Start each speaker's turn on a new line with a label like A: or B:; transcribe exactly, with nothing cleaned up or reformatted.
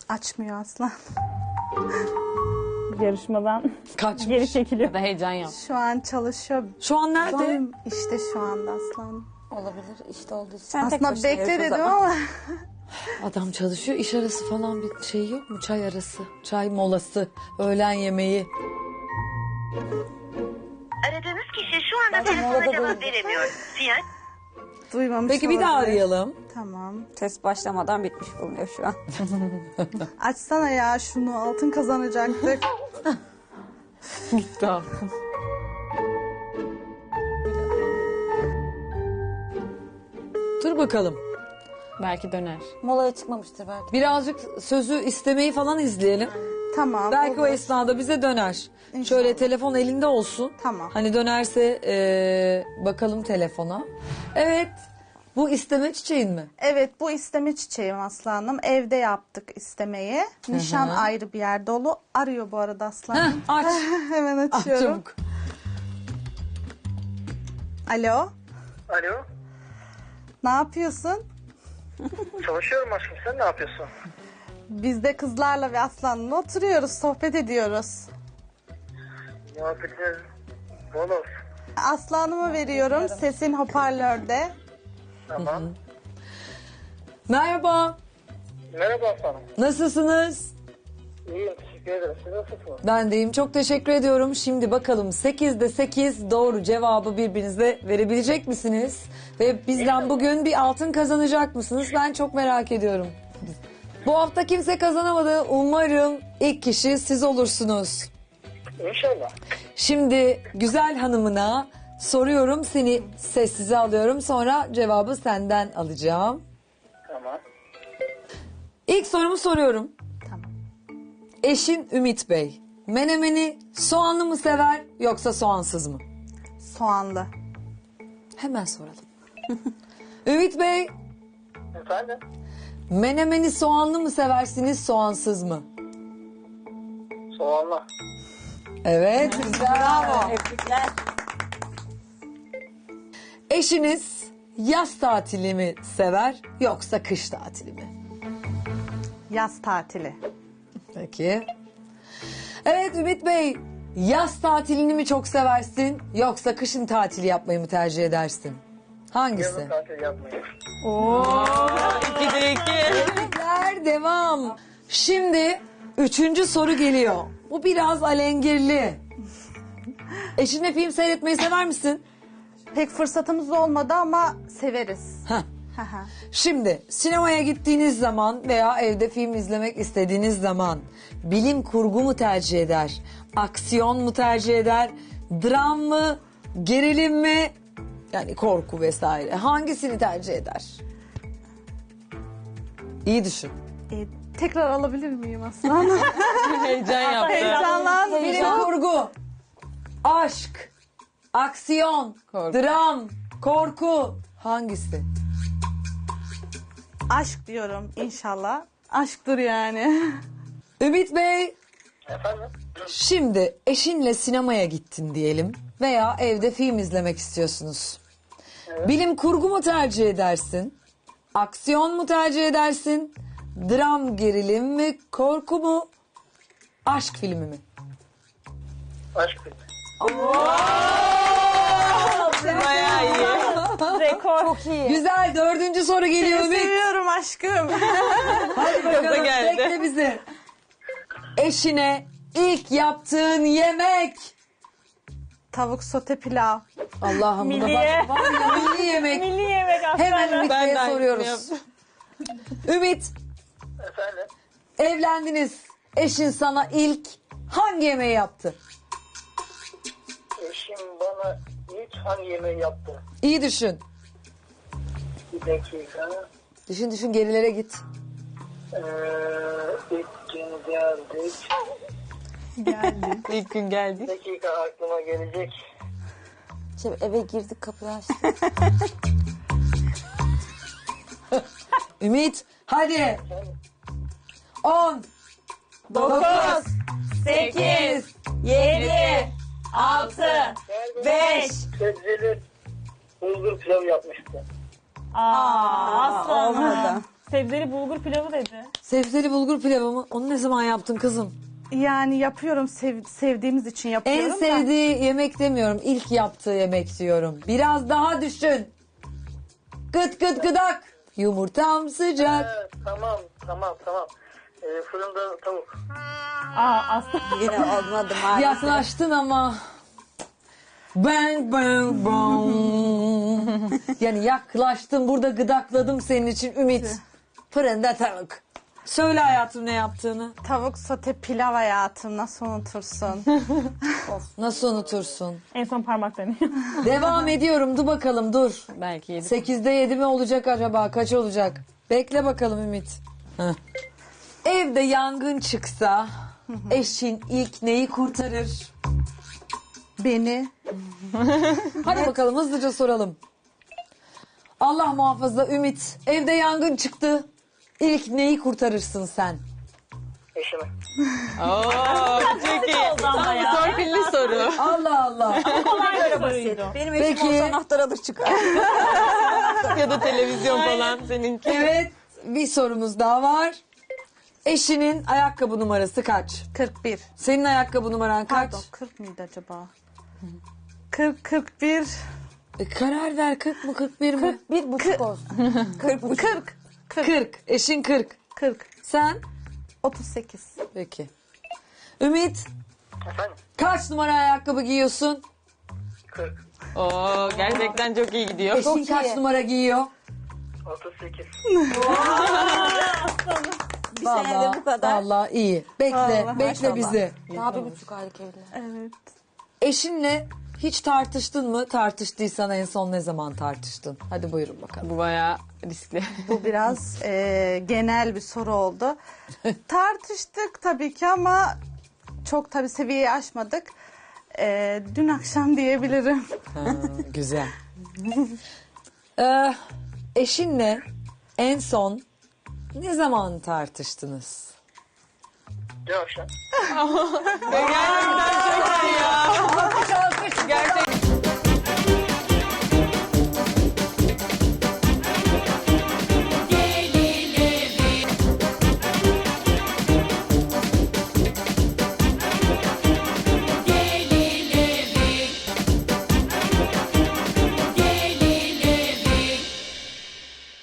A: Açmıyor aslan.
B: Yarışmadan
C: Kaçmış.
B: geri çekiliyor.
D: Ya da heyecan yap.
A: Şu an çalışıyor.
C: Şu an nerede?
A: İşte şu anda aslan.
D: Olabilir işte olduğu için.
B: Sen tek
A: Aslında
B: başına
A: bekle
B: yarış o
A: dedim
B: zaman.
A: ama.
C: Adam çalışıyor. İş arası falan bir şey yok mu? Çay arası, çay molası, öğlen yemeği.
E: Aradığınız kişi şu anda telefona cevap veremiyor. Sinyal
A: Duymamış
C: Peki bir daha
A: olabilir.
C: arayalım.
A: Tamam.
B: Test başlamadan bitmiş bulunuyor şu an.
A: Açsana ya şunu, altın kazanacaktık.
C: Tamam. Dur bakalım.
D: Belki döner.
B: Molaya çıkmamıştır belki.
C: Birazcık sözü istemeyi falan izleyelim.
A: Tamam.
C: Belki o
A: olur.
C: esnada bize döner.
A: İnşallah.
C: Şöyle telefon elinde olsun.
A: Tamam.
C: Hani dönerse eee, bakalım telefona. Evet. Bu isteme çiçeğin mi?
A: Evet, bu isteme çiçeğim aslanım. Evde yaptık istemeyi. Nişan ayrı bir yer dolu. Arıyor bu arada aslanım.
C: Heh, aç.
A: Hemen
C: Aç
A: açıyorum.
C: çabuk.
A: Alo.
F: Alo,
A: Ne yapıyorsun?
F: çalışıyorum aşkım. Sen ne yapıyorsun?
A: Biz de kızlarla ve aslanla oturuyoruz, sohbet ediyoruz.
F: Muhabbetler bol olsun.
A: Aslanımı veriyorum. Sesin hoparlörde.
F: Tamam.
C: Merhaba.
F: Merhaba aslanım.
C: Nasılsınız?
F: İyiyim, teşekkür ederim. Siz nasılsınız?
C: Ben deyim. Çok teşekkür ediyorum. Şimdi bakalım sekizde sekiz doğru cevabı birbirinize verebilecek misiniz? Ve bizden bugün bir altın kazanacak mısınız? Ben çok merak ediyorum. Bu hafta kimse kazanamadı. Umarım ilk kişi siz olursunuz.
F: İnşallah.
C: Şimdi güzel hanımına soruyorum. Seni sessize alıyorum. Sonra cevabı senden alacağım.
F: Tamam.
C: İlk sorumu soruyorum.
A: Tamam.
C: Eşin Ümit Bey, menemeni soğanlı mı sever yoksa soğansız mı?
A: Soğanlı.
C: Hemen soralım. Ümit Bey,
F: Efendim?
C: menemeni soğanlı mı seversiniz soğansız mı?
F: Soğanlı.
C: Evet, bravo.
B: Tebrikler.
C: Eşiniz yaz tatili mi sever yoksa kış tatili mi?
A: Yaz tatili.
C: Peki. Evet Ümit Bey, yaz tatilini mi çok seversin yoksa kışın tatili yapmayı mı tercih edersin? Hangisi?
F: Yazın tatil yapmayın.
D: İkide iki.
C: Tebrikler, devam. Şimdi üçüncü soru geliyor. Bu biraz alengirli. Eşinle film seyretmeyi sever misin?
A: Pek fırsatımız olmadı ama severiz.
C: Heh.
A: Hı hı.
C: Şimdi sinemaya gittiğiniz zaman veya evde film izlemek istediğiniz zaman bilim kurgu mu tercih eder? Aksiyon mu tercih eder? Dram mı? Gerilim mi? Yani korku vesaire. Hangisini tercih eder? İyi düşün.
A: E, tekrar alabilir miyim aslan?
D: Heyecan yaptı.
A: Heyecanlandım.
C: Bilim kurgu, aşk, aksiyon,
D: Korku.
C: dram, korku. Hangisi?
A: Aşk diyorum inşallah. Aşktır yani.
C: Ümit Bey,
F: Efendim?
C: şimdi eşinle sinemaya gittin diyelim veya evde film izlemek istiyorsunuz. Bilim kurgu mu tercih edersin? Aksiyon mu tercih edersin? Dram, gerilim mi? Korku mu? Aşk filmi mi?
F: Aşk filmi.
D: Bayağı iyi.
B: Rekor. Çok iyi.
C: Güzel, dördüncü soru geliyor Ümit.
A: Seviyorum aşkım.
C: Hadi bakalım,
D: geldi.
C: bekle bizi. Eşine ilk yaptığın yemek.
A: Tavuk sote pilav.
C: Allah'ım buna
B: Milliye.
C: bak. Var ya, milli yemek.
B: Milli yemek aslında.
C: Hemen Ümit
D: Ben de
C: Bey'e
D: aynısını
C: soruyoruz.
D: yaptım.
C: Ümit,
F: Efendim?
C: evlendiniz. Eşin sana ilk hangi yemeği yaptı?
F: Eşim bana ilk hangi yemeği yaptı?
C: İyi düşün.
F: Bir dakika.
C: Düşün düşün, gerilere git.
F: Ee, ilk gün geldik.
A: Geldi.
D: İlk gün
F: Bir
D: geldik.
F: dakika aklıma gelecek.
B: Şimdi eve girdik kapıyı açtık.
C: Ümit, hadi. On,
B: Dokuz, sekiz, yedi, altı, beş.
F: Sebzeli bulgur pilavı yapmıştı.
B: Aa, aslanım. Sebzeli bulgur pilavı dedi.
C: Sebzeli bulgur pilavı mı? Onu ne zaman yaptın kızım?
A: Yani yapıyorum, sev- sevdiğimiz için yapıyorum
C: En
A: da.
C: sevdiği yemek demiyorum. İlk yaptığı yemek diyorum. Biraz daha düşün. Gıt gıt gıdak. Yumurtam sıcak.
F: Evet, tamam tamam tamam. Ee, fırında tavuk.
B: Aa aslında.
D: Yine olmadı maalesef.
C: Yaklaştın ama. Bang bang bang. Yani yaklaştın, burada gıdakladım senin için Ümit. Fırında tavuk. Söyle hayatım ne yaptığını.
A: Tavuk sote pilav hayatım, nasıl unutursun?
C: Nasıl unutursun?
B: En son parmak deniyor.
C: Devam ediyorum. Dur bakalım dur.
D: Belki yedi.
C: Sekizde yedi mi olacak acaba? Kaç olacak? Bekle bakalım Ümit. Heh. Evde yangın çıksa eşin ilk neyi kurtarır?
A: Beni.
C: Hadi bakalım hızlıca soralım. Allah muhafaza Ümit. Evde yangın çıktı. İlk neyi kurtarırsın sen?
F: Eşimi.
D: Oo, çok iyi.
B: Oldu ama ya.
D: Torpilli soru.
C: Allah Allah.
B: Kolay bir soruydu.
D: Benim eşim
C: Peki.
D: olsa anahtar alır çıkar. ya da televizyon falan seninki.
C: Evet, bir sorumuz daha var. Eşinin ayakkabı numarası kaç?
A: kırk bir.
C: Senin ayakkabı numaran kaç?
A: Pardon, kırk mıydı acaba? kırk, kırk bir.
C: E, karar ver, kırk mı kırk bir mi?
D: Bir buçuk olsun.
A: kırk. kırk.
C: kırk. Eşin kırk.
A: kırk.
C: Sen?
A: otuz sekiz.
C: Peki. Ümit,
F: Efendim?
C: kaç numara ayakkabı giyiyorsun?
F: kırk.
D: Oo, gerçekten çok iyi gidiyor.
C: Eşin kaç numara giyiyor?
F: otuz sekiz.
D: Bir senede bu kadar.
C: Vallahi iyi. Bekle,
A: Vallahi.
C: bekle bizi.
D: Daha bir buçuk aylık evli.
A: Evet.
C: Eşinle hiç tartıştın mı? Tartıştıysan en son ne zaman tartıştın? Hadi buyurun bakalım.
D: Bu bayağı riskli.
A: Bu biraz e, genel bir soru oldu. Tartıştık tabii ki ama çok tabii seviyeyi aşmadık. E, dün akşam diyebilirim.
C: Ha, güzel. Ee, eşinle en son ne zaman tartıştınız?
F: Dün akşam.
D: Gerçekten çok iyi ya.